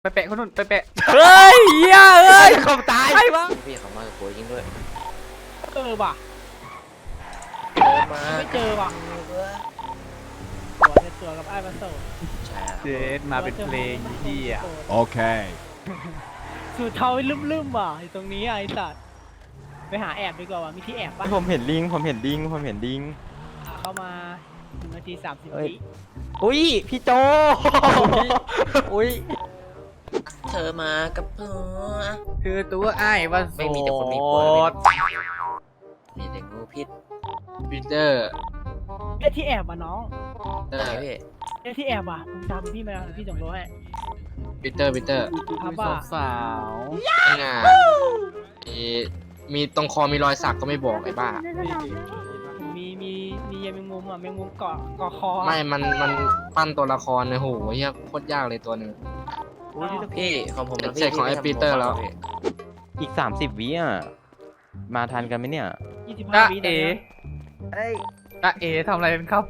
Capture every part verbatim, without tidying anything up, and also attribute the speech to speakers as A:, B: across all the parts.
A: ไปแปะคนนู้นไปแปะ
B: เฮ้ยเหี้ยเอ้ย
A: เขาตาย
B: ใครวะ
C: พี่เขามากับกูจริงด้วย
D: เออว่ะ
C: มา
D: ไม่เจอว่ะตัวเนี่ยตัวกับไอ้บัสโซ
C: ใช่
A: เจสมาเป็นเพลงที่อ่ะ
E: Okay.
D: สูตรเทาลืมๆว่ะอยู่ตรงนี้ไอ้สัตว์ไปหาแอบดีกว่าว่ะมีที่แอบปะ
B: ผมเห็นลิงผมเห็นลิงผมเห็นลิง
D: อ่ะเข้ามาหนึ่งนาทีสามสิบ
B: เอ้ย
D: วิ
B: อุ้ยพี่โจอุ้ย
C: เธอมากับเธอ
A: คือตัวไอ้ว่า
C: ไม่มีแต่คนมี
A: โส
C: ผัว
A: ด
C: มีแต่งูพิษ
A: ปีเตอร์
D: เอ้ยที่แอบว่ะน้อง
C: เออพี่
D: เอ้ยที่แอบว่ะมึงจำพี่มาพี่ส่งโลให้
A: ปีเตอร์ปีเตอร์
D: ครับว่า
A: สาวงามีตรงคอมีรอยสักก็ไม่บอกไอ้บ้า
D: มีมีมียาแมงมุมอ่ะแมงมุมเกาะเกาะคอ
A: ไม่มันมันปั้นตัวละครเนี่ยโหเฮียโคตรยากเลยตัวหนึ่ง
D: อ้าว
C: พี่ของผมนะ
A: เสร็จของไอ้
C: พี่
A: ปีเตอร์แล้ว
B: อีกสามสิบวิอ่ะมาทันกันไหมเนี่ย
D: ยี่สิบห้าวินะ
A: อ่ะเอทำอะไรเป็นครับ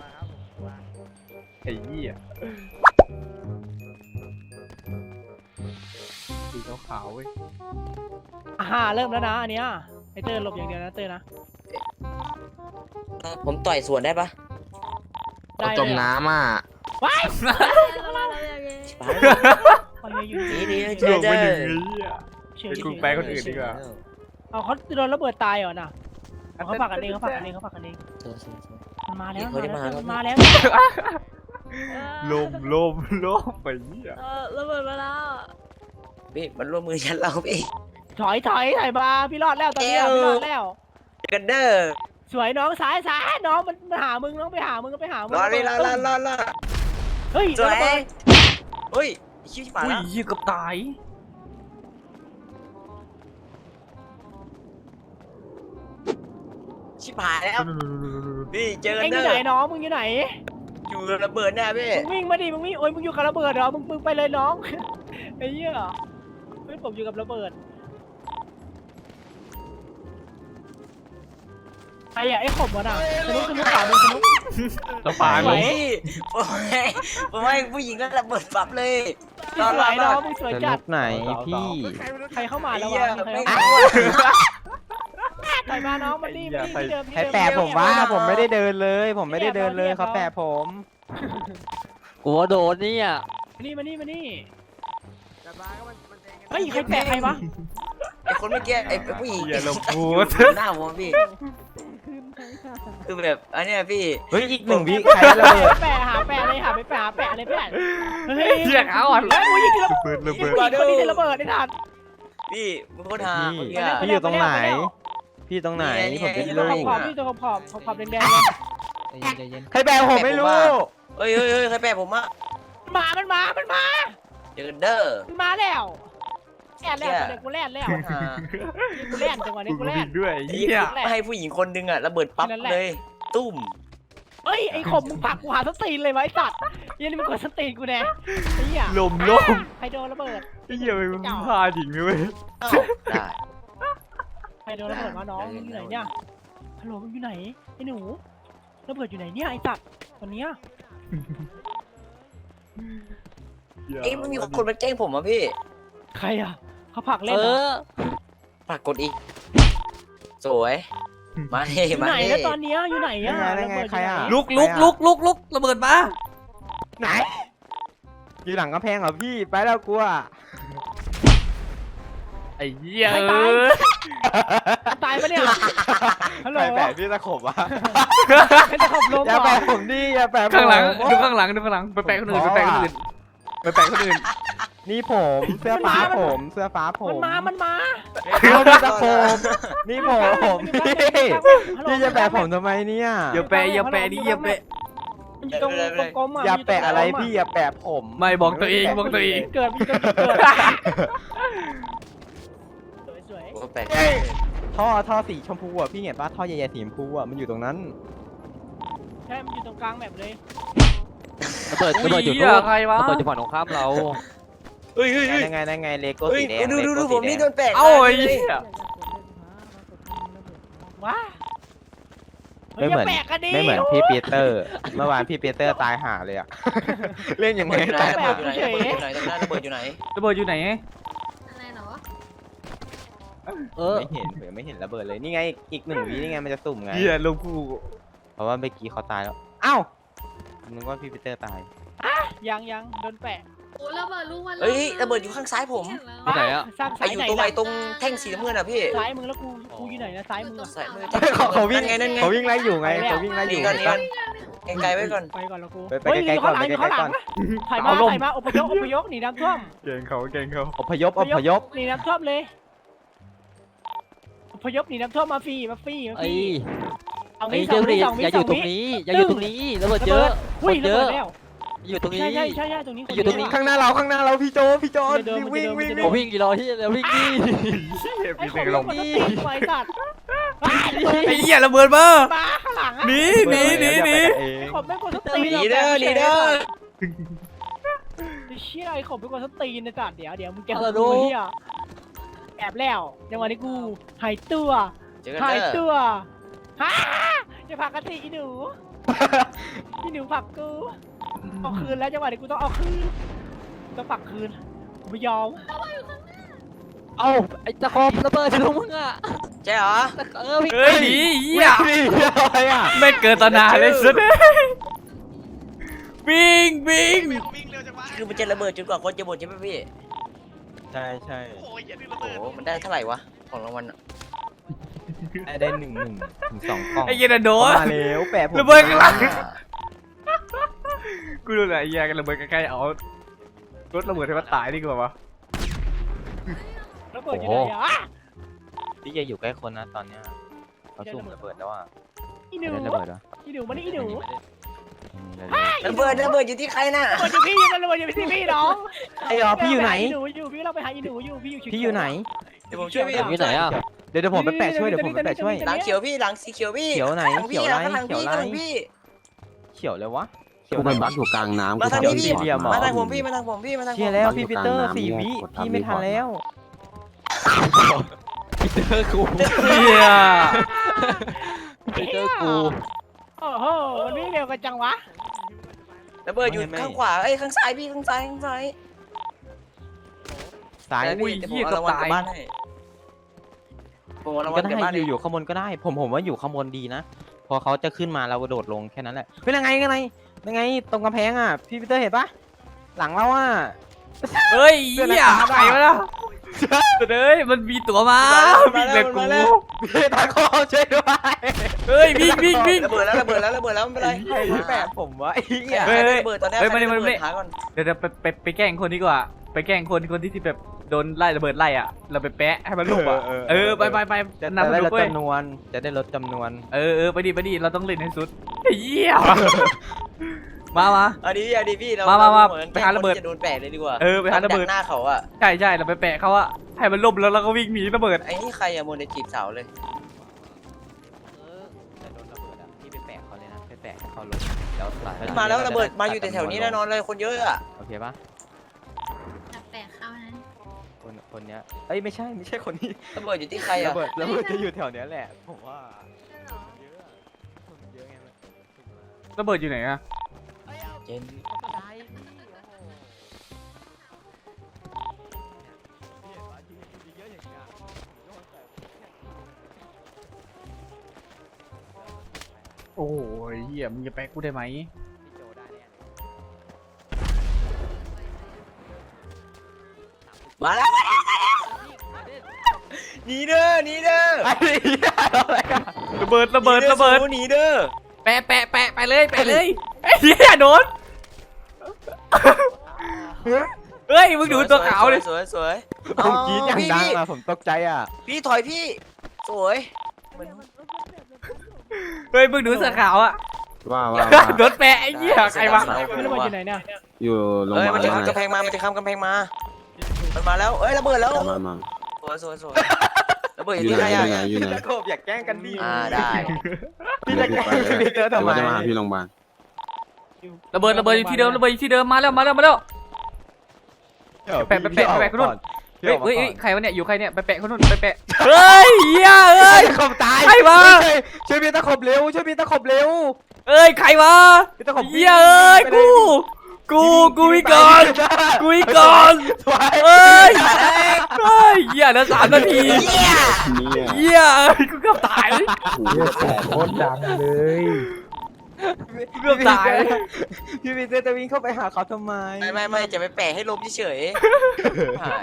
A: ไอ้ยี่อ่ะสีขาวๆเว้ย
D: อ่าเริ่มแล้วนะอันเนี้ยไอเตอร์หลบอย่างเดียวนะเตอร์นะ
C: ผมต่อยสวนได้ปะ
D: ได้
A: จมน้ำอ่ะ
D: ว้าย
C: ชิบหาย
D: คอยอยู่
C: นี่
D: ดี
C: นี่
A: ห
C: เจ
A: ล
C: อบ เจ
A: ไป
C: อ
A: หนึ่งนี้อ่ะ
D: เฉย
A: เป็นกูแปลคนอื่นดีกว่า
D: เอาเขาโดนระเบิดตายเหรอน่ะเขาฝากกันเองเขาฝากกันเองเขาฝากกันเอง
C: เจอเจอเจอ
D: มันมาแล้ว
C: เขาได้มาแล้ว
D: มันมาแล้ว
A: ลมลมลมไปยี่อ่ะ
F: เออระเบิดมาแล้ว
C: พี่มันร่วมมือฉันเราพี่
D: ถอยถอยถอยมาพี่รอดแล้วตอนนี้
C: เอว
D: พี่รอดแล้ว
C: เจอกันเด้อ
D: สวยน้องสายสายน้องมันมาหามึงน้องไปหามึงก็ไปหามึง
C: รอเลยรอรอรอรอ
D: เฮ้ย
C: สวย
D: ระเบิด
C: เฮ้ยชิบหาย
A: อุ้ย
C: แล้ว
A: ยี่กับตาย
C: ชิบหายแล้วพี่เจอกัน
D: เอ็งอ
C: เด้
D: ยู่ไหน
C: อ
D: น้องมึงอยู่ไหน
C: อยู่ระเบิดแน่พี่
D: มึงวิ่งมาดิมึงวิ่งโอ้ยมึงอยู่กับระเบิดเหรอมึงมึงไปเลยน้อง ไอ้เหี้ยเฮ้ยผมอยู่กับระเบิดไอ้อะไอ้ขมวะน่ะสนุกสนุกป่ามึงสนุก
A: ตัวปลา
D: ส
A: ล
D: วย
A: ง
C: พี่ผมให้ผมให้ผู้หญิงก็ระเบิดปั๊บเลยรอ
D: ส
C: รอ
D: วย
C: ร
D: น้
C: อ
D: องมึงสวย
B: ส
D: จั
B: นุ
D: ด
B: กไหนพี่
D: ใครเข้ามา
C: ไอ้
D: แล้ว
C: เหี้
D: วะ
C: ย
D: ใคร
C: ไม่
D: เข้า
C: รู้
D: มาใครมาน้องมันนี่มันนี่ที่เดิมที่
B: ให้
D: เดิม
B: แปะผมว่าผมไม่ได้เดินเลย ผมไม่ได้เดินเลยเขาแปะผม
F: กลัวโดนเนี่ย
D: มานี่มานี่มานี่เฮ้ยใครแปะใครวะ
C: ไอ้คนเมื่อกี้ไอ้ผู้หญิง
A: อย่าลงพูด
C: หน้าผมพี่คือแบบอันเนี้ยพี่
B: เฮ้ยอีกหนึ่งวิใครระเบิด
D: แปะหาแปะเลยหาไปแปะหาแปะเลยแปะเฮ้ย
A: เหี้ยเอาอ่ะ
D: เฮ้ยมึงยิงระ
A: ระเบิดระเบิด
D: เบิดคนนี้จะระเบิดได้ทัน
C: พี่มึงโคตรหา
B: พี่
C: เมื่อกี้อะ
B: พี่อยู่ตรงไหน พี่ตรงไหนผมจะ
D: นี่
B: รู้
D: ตัวขอบๆนี่ตัวขอบๆขอบๆแดงๆเลย
A: ใจเย็น
B: ใครแปะผมไม่รู้
C: เฮ้ยเฮ้ยเฮ้ยใครแปะผมอะ
D: มา มันมา มันมา
C: เจอกันเด้อ
D: มันมาแล้วแล่นแล้วเด็กกูแล่นแล้ว
C: หา
D: กูแล่นจังหวะนี้
A: กู
D: กูแล่
A: ผิ
D: น
A: ดด้วย
C: ไอ้
A: เหี้
C: เหี้
A: ย
C: ยให้ผู้หญิงคนนึงอะระเบิดปั๊บเลย ตุ้ม
D: เฮ้ยไอ้ขมมึงผลักกูหาสตีนเลยไว้สัตว์ยันนี่มึงกดสตีนกูแน่ไอ้เหี้ย
A: ลมลม
D: ใครโดนระเบิด
A: ไอ้เหี้ยไปมึงพาหญิงเลยเว้ย
C: อ้าวได้
D: ใครโดนระเบิดวะน้องมึงอยู่ไหนเนี่ยฮัลโหลมึงอยู่ไหนไอ้หนูระเบิดอยู่ไหนเนี่ยไอ้สัตว์วันเนี้ย
C: เอ้ยมันมีคนมาแกล้งผมอะพี่
D: ใครอ่ะเขาผลัก
F: เอ
D: เล่นเหรอ
F: อ
C: ปรากฏอีก สวย มาเฮ้
D: อยู่
C: มา
D: ไหน
C: เฮ้
D: แล้วตอนเนี้ยอยู่ไหน
B: ยั
D: อ่ะ
B: งไงยังไง
D: ระเบิด
B: ใคร
D: อยู่
B: อ่ะ
D: ไหน
F: ลุกลุกลุกลุกลุกระเบิดมา
B: ไหนอยู่หลังกำแพงเหรอพี่ไปแล้วกลัว
A: ไอ้เหี้ย
D: ใคร
A: เอ
D: ตาย
A: อ
D: ตายปะเนี่ยฮัลโหล
B: ใครแปะพี่ตะขบวะ
D: ใครจะขบลม
B: อย่า
D: เหร
B: แปะ
D: อ
B: ผมดิอย่าแปะผม
A: ข้างหลังดูข้างหลังดูข้างหลังไปแปะคนอื่นไปแปะคนอื่นไปแปะคนอื่น
B: นี่ผมเสื้อฟ้าผมเสื้อฟ้าผ
D: มัน
B: ม
D: มา มันมา
B: เอาพี่ตะขบนี่ผม
D: มันอยู่
B: พี่
D: ข้างหลัง
B: พี่จะแปะผมทำไมเนี่ย
A: อย่าแปะอย่าแปะดิอย่าแปะ
D: มันอยู่ตรงกลมๆอ่ะ
B: อย่าแปะอะไรพี่อย่าแปะผม
A: ไม่บอกตัวเองบอกตัวเอง
D: เกิดมันเกิดเกิดสวย
C: โอ้แปลก
B: ท่อท่อสีชมพูอ่ะพี่เห็นปะท่อใหญ่ๆสีชมพูอ่ะมันอยู่ตรงนั้น
D: ๆใช่มันอยู่ตรงกลางแบบเลย
F: ระเบิดระเบิดอยู่
A: เหี้
F: นู่
A: ย
F: น
A: ใครวะ
F: ระเบิดอยู่ฝั่งตรงข้ามเรา
C: เฮ้ยเฮ้ยเฮ้ย
B: ยังไงยังไงเลโก้
C: เฮ้ย
B: สีแดง
C: ดูดู
B: เล
C: ดู
B: โก้
C: ผม
B: สี
C: นี่
B: แด
C: โด
B: ง
C: นแปะ
A: เอ้าไอ้
C: เลย
A: เหี้ย
D: ว้าเฮ้ย
B: ไม่เหมือน
D: อย่าแปลกกันดิ
B: ไม่เหมือนพี่ปีเตอร์ เมื่อวานพี่ปีเตอร์ตายห่าเลยอะเล่นยังไง
C: ระเบิดอยู่ไหน
B: ตาย
C: ระเบิดอยู่ไหนระเบิดอยู่ไหนตรงนั้นระเบิดอยู่ไหน
E: ระเบิดอยู่ไหน
G: อะไรเหรอ
F: เออ
B: ไม่เห็นเผื่อไม่เห็นระเบิดเลยนี่ไงอีกหนึ่งวินี่ไงมันจะสุ่มไง
E: เฮียลูกกู
B: เพราะว่าเมื่อกี้เขาตายแล้วอ้าวนึกว่าพี่ปีเตอร์ตาย
D: ยังยังโดนแปะ
G: โอ้ระเบิดลูกวัน
C: เฮ้ยระเบิดอยู่ข้างซ้ายผม
F: ที่ไหนอะ
D: สร้าง
C: ไอ
D: สาย
C: อยู่
D: ไหน
C: ตรงไหน
D: ล่ะ
C: ตรงแท่งสีน้ำเงินอะพี่
D: ซ้ายมือแล้วกูกูอยู่ไหนนะซ้ายมืออะ
C: ซ้ายมือ
B: เขาเขาวิ่ง
C: นั่นไงนั่นไง
B: เขาวิ่งไล่อยู่ไงเขาวิ่งไล่อ
C: นี่
B: ยู่
C: ก่อนนี่ก่อนไกลๆไว้ก่อน
D: ไปก่อนแล้วกู
B: ไปไปไกลๆก่อน
D: เฮ้ย
B: ไปไกลๆก่อน
D: ถอยมาถอยมาอพยพอพยพหนีน้ำท่วม
E: เก่งเขาเก่งเขา
B: อพยพอพยพ
D: หนีน้ำท่วมเลยอพยพหนีน้ำท่วมมาฟรีมาฟรีมาฟ
F: ไอ้
D: รีเอา
F: ไอ้
D: งี้ส
F: เจ้า
D: อง
F: ห
D: วิ
F: รี
D: สองวิ
F: อย่าอ
D: สอยู่ ง
F: ตรง
D: วิ
F: นี้อย่าอยู่ตรงนี้ระเบิดเยอะ
D: อุ้ย
F: เย
D: ระ
F: อะ
D: เบิดแล้ว
F: อยู่ตรงนี้
D: ใช่ใช่ใช่ใช่ตรงนี้
F: อยู่ตรงนี้
B: ข้างหน้าเราข้างหน้าเราพี่โจพี่โจ
D: เดิน
B: วิ่ง
D: มันจะ
B: วิ่ง
D: เดิน
B: วิ่ง
F: ผมวิ่งกี่รอที่แล้ววิ่งนี่
D: ไอ้ของลงมันต้องตีไฟสัตว์
E: ไอ้เหี้ยระเบิดมา
D: มาข้างหลังอะ
E: หนีหนีหนีหนี
B: เอง
D: ไอ้ขอบไม่กดสตีน
C: หนีเด้อหนีเด้อ
D: ไอ้เชี่ยไอ้ขอบไม่กดสตีนนะจัดเดี๋ยวเดี๋ยวมึงแก
F: เอาละ
D: ดู
F: ดู
D: เฮียแอบแล้วจังหวะนี้กูหายตัว
C: เจอกัน
D: หาย
C: เด้อ
D: ตัวฮ่าจะผลักกันสิอีหนูอีหนูผลักกูเอาคืนแล้วจังหวะนี้กูต้องเอาคืนต้องผลักคืนกูไม่ยอม
F: เอ้าไอ้ตะคอมระเบิดอยู่ตรงมึงอะ
C: ใช่เหรอ
F: เออพี่
E: เฮ้ยหนีเหี้ย
B: นี่อะไรอ่ะ
E: ไม่เกิดตนาเลยสุดวิ่งวิ่ง
C: คือมันจะระเบิดจนกว่าคนจะหมดใช่ไหมพี่
B: ใช่ใช่
C: โอ้โหมันได้เท่าไหร่วะของรางวัลอะ
B: ได้หนึ่งหนึ่งถึงสองกล่อง
E: ไอ้เหี้ยน่ะโดน
B: มาแล้วแปะผม
E: ระเบิดข้างหลัง กูรู้แหละไอ้เหี้ยกันระเบิดใกล้ๆเอารถระเบิดให้มันตายดีกว่าวะ
D: แล้วเปิดอยู่ไหนอ่ะ
B: พี่จะอยู่ใกล้คนนะตอนเนี้ยเขาสุ่มระเบิดแล้วอ่ะ
D: อีหนู
B: ได้ระเบิดเหรอ
D: อีหนูมานี่อีหนู
C: ระเบิดระเบิดอยู่ที่ใครน่ะ
D: ระเบิดอยู่พี่มันระเบิดอยู่ที่พี่น้อง
B: ไอ้หรอพี่อยู่ไหน
D: อีหนูอยู่พี่เราไปหาอีหนูอยู่พี่อยู่
B: พี่อยู่ไหน
C: เดี๋ยวผมช่วยพี่
F: อยู่ไหนอะ
B: เดี๋ยวเดี๋ยวผมไปแปะช่วยเดี๋ยวผมไปแปะช่วย
C: หลังเขียวพี่หลังสีเขียวพี่
B: เขียวไหน
C: หลังพี่
B: เขียวไร
C: หลังพี่
B: เขียวไร
C: หลังพี่
B: เขียวเลยวะเขียว
H: กู
B: ไห
H: ไป
B: น
H: บั
B: วะ
H: กอยู่กลางน้ำ
C: มาทางนี้พี่
B: เดี๋ยว
C: มาทางผมพี่มาทางผมพี่มาทางผ
B: เชีย
C: ม
B: ร์แล้วพี่ปีเตอร์สี่วิพี่ไม่ทันแล้ว
F: พี่เจอกู
E: เหี้ย
F: พี่เจอกู
D: โอ้โหมันวิ่งเร็วกันจังวะ
C: ระเบิดอยู่ข้างขวาเอ้ยข้างซ้ายพี่ข้างซ้ายข้างซ้าย
B: สาย
C: แต่พี่เดี๋ยวผมเอารางวัลกลับบ้านให้ผมเอารางวั
B: ก็
C: ลกลับ
B: ได้
C: บ้าน
B: อ
C: ให้
B: ยู่อยู่ข้างบนก็ได้ ผมผมว่าอยู่ข้างบนดีนะ พอเขาจะขึ้นมาเรากระโดดลงแค่นั้นแหละเป็นยังไงกันไงยังไงตรงกำแพงอ่ะพี่ปีเตอร์เห็นปะหลังเราอ่ะ
E: เฮ้ยเหี้ยไปมาแล้วเฮ้ยมันมีตั๋วมาวิ่งเลยกู
B: พี่ตาคอช่วยด้วย
E: เฮ้ยวิ่งวิ่งวิ่ง
C: ระเบิดแล้วระเบิดแล้วระเบิดแล้วไม่เป็นไร
B: ใครที่แปะผมวะไอ้เหี้ย
E: เฮ้ยเฮ้ย
C: ระเบิดตอนนี้
E: เฮ้ยมาดิ
C: ใคร
E: มาดิ
C: ระเบิดหาก่อน
E: เดี๋ยวเดี๋ยวไปไปไปแกล้งคนดีกว่า ไปแกล้งคนคนที่ที่แบบโดนไล่ระเบิดไล่อ่ะ เราไปแปะให้มันลุกอ่ะ เออไปไปไป
B: จะ
E: นำมัน
B: ได้
E: ลุ
B: ล
E: ก
B: ด
E: เว้ย
B: จำนวน จะได้ลดจำนวน
E: เออเออไปดิไปดิเราต้องเล่นให้สุดเยี่ยมามา
C: อันนี้อันนี้พี่เรา
E: มามามา
C: เหอน
E: ไปหาระเบิด
C: แกล้งคนที่จะโดนแปะเลยดีกว่า
E: เออไปหาระเบิด
C: ดักหน้าเขาอะ
E: ใช่ใช่เราไปแปะเขาอะให้มันล่มแล้วเราก็วิ่งหนีระเบิด
C: ไอ้นี่ใครอะโมเดลจีบสาวเลย
B: แต่โดนระเบิดอ่ะพี่ไปแปะเขาเลยนะไปแปะให้เขาลงแล้วสาย
C: มาแล้วระเบิดมาอยู่แถวๆนี้แน่นอนเลยคนเยอะอะ
B: โอเคปะ
G: จับแปะเข้านั้น
B: คนคนเนี้ยเอ้ยไม่ใช่ไม่ใช่คนนี้
C: ระเบิดอยู่ที่ใคร
B: ระ
C: อะ
B: เบิดระเบิดจะอยู่แถวเนี้ยแหละผมว่าเยอะอะคนเยอะไงมัน
E: ระเบิดอยู่ไหนอะ
C: เจน
E: โอ้ยเหี้ยมึงจะแปะกูได้ไหม
B: พี่โจได้แน่เลย
C: มาแล้วมาแล้วมาแล้วหนีเด้อหนีเด้อ
B: ไอ้เหี้ยอะไรอะ
E: ระเบิดระเบิดระเบิด
C: หนีเด้อ
E: แปะแปะแปะไปเลยแปะเลยไอ้เหี้ยโดนเฮ้ยมึงดูตัวขาวเลย
C: สวยสวย
B: ผมกรีดอย่าง
C: พี่
B: ดัง
C: พี่
B: อะผมตกใจอ่ะ
C: พี่ถอยพี่ สวยมัน
E: เฮ้ยมึงดูเสื้อขาวอะ
H: ว่าว่าว่า
E: โดนแปะไอ้เหี้ยใครวะ
D: มันระเบิดอยู่ไหนเนี่ย
H: อยู่โรง
C: เอ้
H: พ
C: ย
H: ยา
C: มัน
H: บาล
C: จะข้ามกำแพงมามันจะข้ามกำแพงมามันมาแล้วเอ้ยระเบิดแล้ว
H: มามา
C: สวยสวยสวยระเบิดอ
H: อยู่ ยู่
C: ที่
H: ไหน
C: ใคร
H: อยู่ไหน
C: อะ
H: อยู่ไหน
B: ตะโกบอยากแกล้งกันดิ
C: อ่าได้
B: พี่จะแกล้งพี่เจอ
H: เดี๋
B: ทำ
H: ยว
B: ไม
H: ว่าจะมาหาพี่โรงพยาบาล
E: ระเบิดระเบิดอยู่ที่เดิมระเบิดอยู่ที่เดิมมาแล้วมาแล้วมาแล้ว แปะแปะแปะแปะ
B: ก่อน
E: เฮ้ยเฮ้ยเฮ้ยใครวะเนี่ยอยู่ใครเนี่ยไปแปะคนนู้นไปแปะเฮ้ยเหี้ยเอ้ย
B: ตะขบตาย
E: ใครวะ
B: ช่วยพี่ตะขบเร็วช่วยพี่ตะขบเร็ว
E: เอ้ยใครวะ
B: พี่ตะขบ
E: เหี้ยเอ้ยกูกูกูวิก่อนกูวิก่อน
B: สวย
E: เอ้ยเฮ้ยเหี้ยแล้วสามนาที
H: เนี่ย
E: เหี้ยเอ้ยกูเกือบตาย
F: โคตรดังเลย
E: กูเกือบตาย
B: พี่พีเตอร์จะวิ่งเข้าไปหาเขาทำไม
C: ไม่ไม่ไม่จะไปแปะให้ล้มเฉยๆหาย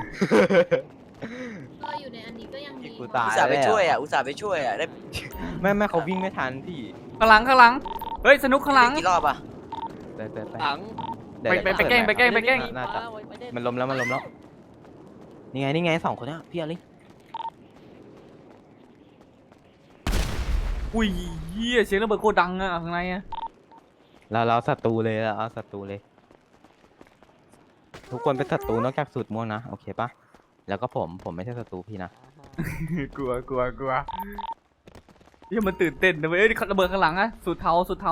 G: เราอยู่ในอันนี้ก็ยังดี
B: กูตาย
C: อุตส่าห์ไปช่วยอ่ะอุตส่าห์ไปช่วยอ่ะได้
B: ไม่ไม่เขาวิ่งไม่ทันพี่
E: ข้างหลังข้างหลังเฮ้ยสนุกข้างหลัง
C: กี่รอบอ่ะ
B: ไปไปไป
F: หลัง
B: เดี๋ยว
E: ไปไปไปแกล้งไปแกล้งไปแกล้ง
B: น่าจะมันล้มแล้วมันล้มแล้วนี่ไงนี่ไงสองคนเนี้ยพี่อลิ
E: อุ้ยเหี้ยเสียงระเบิดโคตรดังอะข้างในอะ
B: เราเราศัตรูเลยเราเอาศัตรูเลย ทุกคนเป็นศัตรูนอกจากสูตรม่วงนะโอเคปะแล้วก็ผมผมไม่ใช่ศัตรูพี่นะ
E: กลัวกลัวกลัวเหี้ยมันตื่นเต้นนะเว้ยเอ้ยระเบิดข้างหลังอะสุดเทาสุดเทา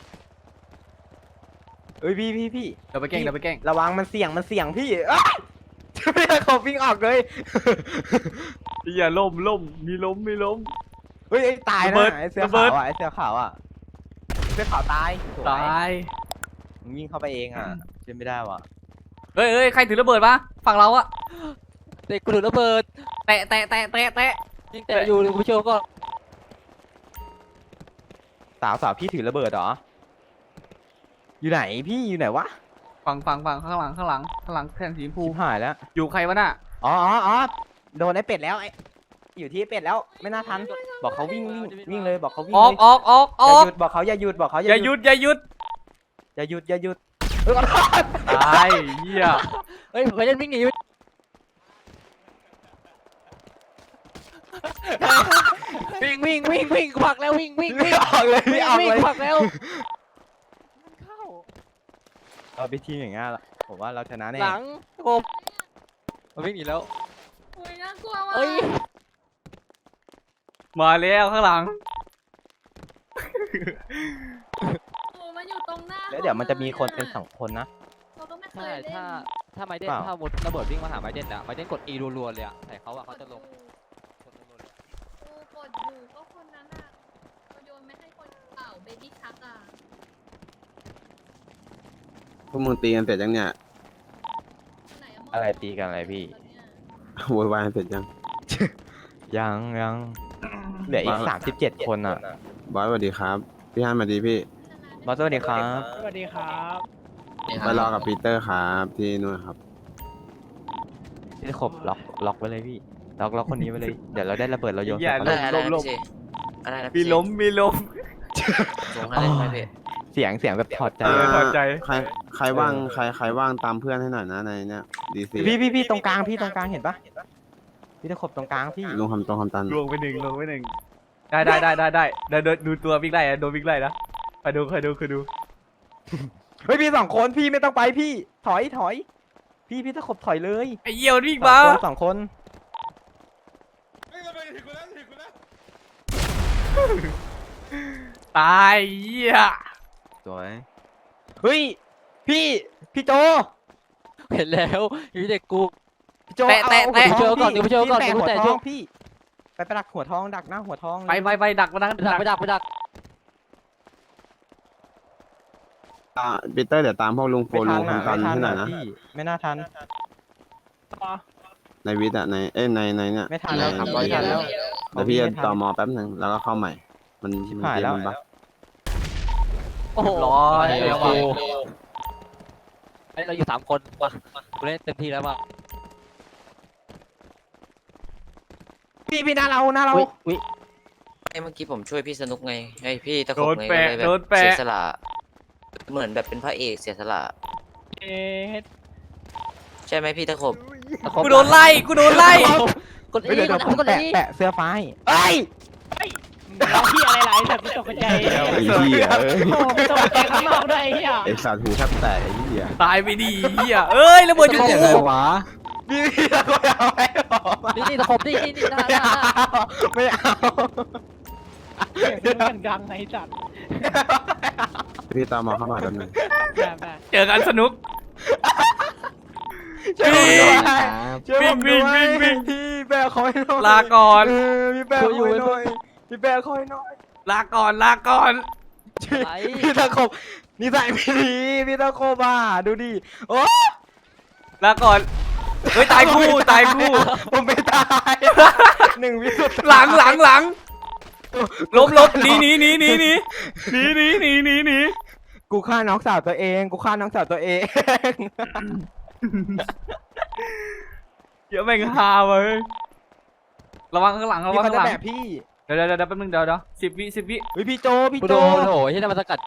B: เอ้ยพี่พี่พี่
E: เดี๋ยวไปแกล้งเดี๋ยวไปแกล้ง
B: ระวังมันเสี่ยงมันเสี่ยงพี่อ้าวพี่เขาวิ่งออกเลย
E: เหี้ยล่มล่มมีล้มมีล้ม
B: เฮ้ยไอ้ตาย
E: ระเบิ
B: นะ
E: ด
B: ไอ้เสื้อ
E: ระเบิ
B: ขา
E: ด
B: วอ่ะไอ้เสื้อขาวอ่ะเสื้อขาวตายสวย
E: ตาย
B: มึงวิ่งเข้าไปเองอ่ะเป็นไม่ได้ว่ะ
E: เฮ้ยเฮ้ยใครถือระเบิดปะฝั่งเราอะ
F: เด็กกูถือระเบิด
E: แตะแตะแตะแตะแตะ
F: ยิงแต่อยู่กูเชื่อก็
B: สาวสาวพี่ถือระเบิดเหรออยู่ไหนพี่อยู่ไหนวะ
E: ฝั่งฝั่งฝั่งข้างหลังข้างหลังข้างหลังแทนสีชมพู
B: ชิบหายแล้ว
E: อยู่ใครวะน่ะ
B: อ๋ออ๋ออ๋อโดนไอ้เป็ดแล้วไอ้อยู่ที่ไอ้เป็ดแล้วไม่น่าทันบอกเขาวิ่งวิ่งวิ่งเลยบอกเขาวิ่ง
E: ออก
B: เลย
E: ออกออกอ
B: อย่า
E: อก
B: หยุดบอกเขาอย่าหยุดบอกเขา
E: อย่าหยุดอย่าหยุด
B: อย่าหยุดอย่าหยุดเออ
E: ตายเหี้ย
F: เฮ้ยผมเล่นวิ่งหนีวิ่งวิ่งวิ่งวิ่งผลักแล้ววิ่งวิ่ง
B: ไม่
F: วิ่ง
B: ออกเลยไม่ออก
F: วิ่ง
B: เลย
F: ผลักแล้ว
B: เราไปทีมอย่างเงี้ยละผมว่าเราชนะแน่
F: หลังกบมันวิ่งหนีแล้ว
G: โอ้ยน่ากลัวว่ะ
F: เอ้ย
E: มาแล้วข้างหลัง
G: โอ้มันอยู่ตรงหน้า
B: แล้วเดี๋ยวมันจะมีคนเป็นสองคนนะ
G: เราก็ไม่เค
F: ใช่
G: ยเล่น
F: ถ้าถ้าไมเดน
B: เปล่า
F: ถ้าหมดระเบิดวิ่งมาหาไมเดนอะไมเดนกด E รัวๆเลยอะแต่เขาอะเขาจะลงกดรัวๆเลย
G: กูกดอยู่ก็คนนั้นอ่ะเราโยนไม่ให้คนเปล่าเบบี้ชักอ่ะ
H: พวกมึงตีกันเสร็จยังเนี่ย
G: ไหนอะ
B: อะไรตีกันอะไรพี่
H: โวยวายกันเสร็จยัง
B: ยังยังเหลืออีกสามสิบเจ็ดคนอ่ะ
H: บอสสวัสดีครับ พี่ฮันสวัสดีพี่
B: บอสสวัสดีครับ
D: สวัสดีครับ
H: ไปรอกับปีเตอร์ครับที่นู่นครับ
B: พี่ขบล็อกล็อกไว้เลยพี่ล็อกล็อกคนนี้ไว้เลยเดี๋ยวเราได้ระเบิดเราโยน
E: อย่า
B: ใส่
C: อะไร
B: เขา
C: อะไรนะพี่อะไรนะ
E: มี
C: พี่
E: ล้มมีล้ม
C: ส่งอะไรไหมพี่
B: เสียงเสียงแบบถอดใจ
H: อ่า
E: พอใจ
H: ใครใครว่างใครใครว่างตามเพื่อนให้หน่อยนะในเนี้ยดีซี
B: พี่พี่พี่ตรงกลางพี่ตรงกลางเห็นปะพี่ตะขบตรงกลางพี่
H: ลงคำตรงคำตัน
E: ลงไปหนึ่งลงไปหนึ่งได้ได้ได้ได้ได้เดี๋ยวเดี๋ยวดูตัววิ่งไล่อะโดนวิ่งไล่นะไปดูไปดูไปดู
B: เฮ้ยพี่สองคนพี่ไม่ต้องไปพี่ถอยถอย พี่พี่ตะขบถอยเลย
E: ไอ้เหี้ยมันวิ่ง
B: ส
E: มา
B: องคนสองคน
E: ตายเหี้ย
B: สวยเฮ้ยพี่พี่โจ
F: เห็นแล้วอยู่ที่เด็กกู
B: พี่โจ
E: แตะแตะ
B: อา
E: แตะ
F: เดี๋ยวก่อนเดี๋ยวไปเจอก่อน
B: พี่
F: เดี๋ยวไป
B: แปะ
F: แตะ
B: หัวท
F: ช่
B: อ
F: ว
B: ง
F: ง
B: พี่ไปไปดักหัวทองดักหน้าหัวทอง
E: ไปไปไปดักมาดัก
F: ไปดักไปดักไปดัก
H: อ่าปีเตอร์เดี๋ยวตามพวกลุงโฟ
B: ไม่
H: ลุ
B: ทั
H: ง
B: นอ่ะ
H: คำตั
B: ไม่
H: น
B: ทัน
H: ให้หน่อ
B: อ่ะ
H: ยนะ
B: พี่ไม่น่าทัน
D: ต่อ
H: ในวิทย์อะในเอ้ยในในเนี้ย
B: ไม่ทันแล้ว
H: ใน
B: ครับไม่ทันแล้ว
H: เดี๋ยวพี่จะต่อมอแป๊บหนึ่งแล้วก็เข้าใหม่ มัน
B: ชิบ
H: มัน
B: หาย
H: เกม
B: แล้ว
H: มันบั๊ก
F: โอ้โห
E: ร้อย
F: เร็ว
E: โอ้
F: ว่ะ
E: โห
F: ไอ้เราอยู่สามคนว่ะกูเล่นเต็มที่แล้วว่ะ
B: พี่พี่หน้าเราหน้าเรา
F: อุ้ย
C: ไอ้เมื่อกี้ผมช่วยพี่สนุกไงไอ้พี่ตะข
E: โด
C: บ
E: น
C: ไง
E: แปะ
C: ก็เลยแบ
E: โด
C: บ
E: นแปะ
C: เสียสละเหมือนแบบเป็นพระเอกเสียสละ
D: เอ๊ะ
C: ใช่ไหมพี่ตะขบ
E: กูโดนไล่กูโดนไล่
F: กด
B: เฮ้ย
F: อี
B: เดี๋ยว
F: ก
B: เดี๋ยว
F: ด
B: ผม
F: กด
B: แปะ
F: อี
B: แปะเสื้อฟ้าให้เอ้ย
D: เราที่อะไรหลายสัตว์กูตกใจ
H: ไอ้เหี้ยเอ้ย
D: โอ้โหตกใจข้างนอกด้วยไอ้เหี้ย
H: ไอ้สัตว์หูแทบแตกไอ้เหี้ย
E: ตายไปดีเหี้ยเอ้ยระเบิดอยู่กู
B: พี่พี่ตะโกนเอาไว้บอกมา
F: นี่นี่ตะขบนี่นี่นี่หน้าห
B: ไม่
F: น้า
B: เอาไม่เอา
D: เสียงซื้อกันกลางไอ้สัตว์
H: พี่ตามมอเข้ามาแป๊บหนึง
D: แบบแบบ
E: เจอกันสนุก
B: ช่วยผมด้วย
A: ครับ
B: ช่วยผมด้วย
E: วิ่งวิ่งวิ่ง
B: พี่แบกคอยหน่อย
E: ลาก่อน
B: เออพี่แบกคอยหน่อยพี่แบกคอยหน่อย
E: ลาก่อนลาก่อน
F: อะไร
B: พี่ตะคบนิสัยไม่ดีพี่ตะคบอ่ะดูดิโอ้
E: ลาก่อนเฮ้ยตายคู่ตายคู่
B: ผมไม่ตายหนึ่งวิสุดท้าย
E: หลังหลังหลังล้มล้มหนีหนีหนีหนีหนีหนีหนีหนีหนีหนี
B: กูฆ่าน้องสาวตัวเองกูฆ่าน้องสาวตัวเอง
E: เดี๋ยวแม่งฮาเว้ยระวังข้างหลังระ
B: พี่
E: วัง
B: เขา
E: ข้าง
B: จะ
E: หลัง
B: แบบพี่
E: เดี๋ยวเดี๋ยวเดี๋ยวแป๊บนึงเดี๋ยวเดี๋ยวสิบวิสิบวิ
B: เฮ้ยพี่โจพี่
F: กู
B: โจ
F: โดนโถที่นั่นมันสกัด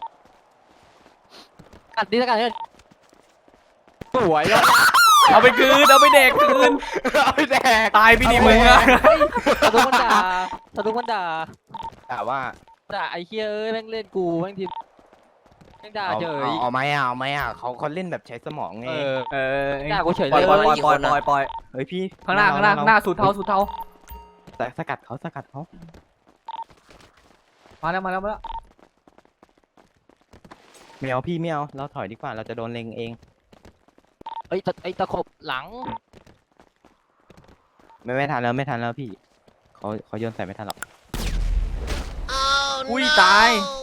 F: กัดดิสกัดเนี่ย
B: สวยแล้ว
E: เอาไปคืนเอาไปเด็กคืน
B: เอาไปแดก
E: ตายพี่ดีมึงอะ
F: ทะลุมันด่าทะลุมันด่า
B: แต่ว่า
F: ด่าไอ้เฮียเอ้ยแม่งเล่นกูแม่งทีมแม่งด่า
B: เอา
F: เฉย
B: เอาเอาไหมอ่ะเอาไหมอ่ะเขาเขาเล่นแบบใช้สมองไง
F: เออ
E: เออ
F: ด่ากูเฉย
E: ปล่อย
F: เลย
E: ปล่อยปล่อยปล่อยปล่อย
B: เฮ้ยพี่
E: ข้างหน้าข้างหน้าข้างหน้าสูตรเทาสูตรเทา
B: แต่สกัดเขาสกัดเขา
E: มาแล้วมาแล้วมาแล้ว
B: ไม่เอาพี่ไม่เอาเราถอยดีกว่าเราจะโดนเล็งเอง
F: ไอ้ตะไอ้ตะขบหลัง
B: ไม่ไม่ทันแล้วไม่ทันแล้วพี่เขาเขาโยนใส่ไม่ทันหรอก
E: อุ้ยตาย
G: โ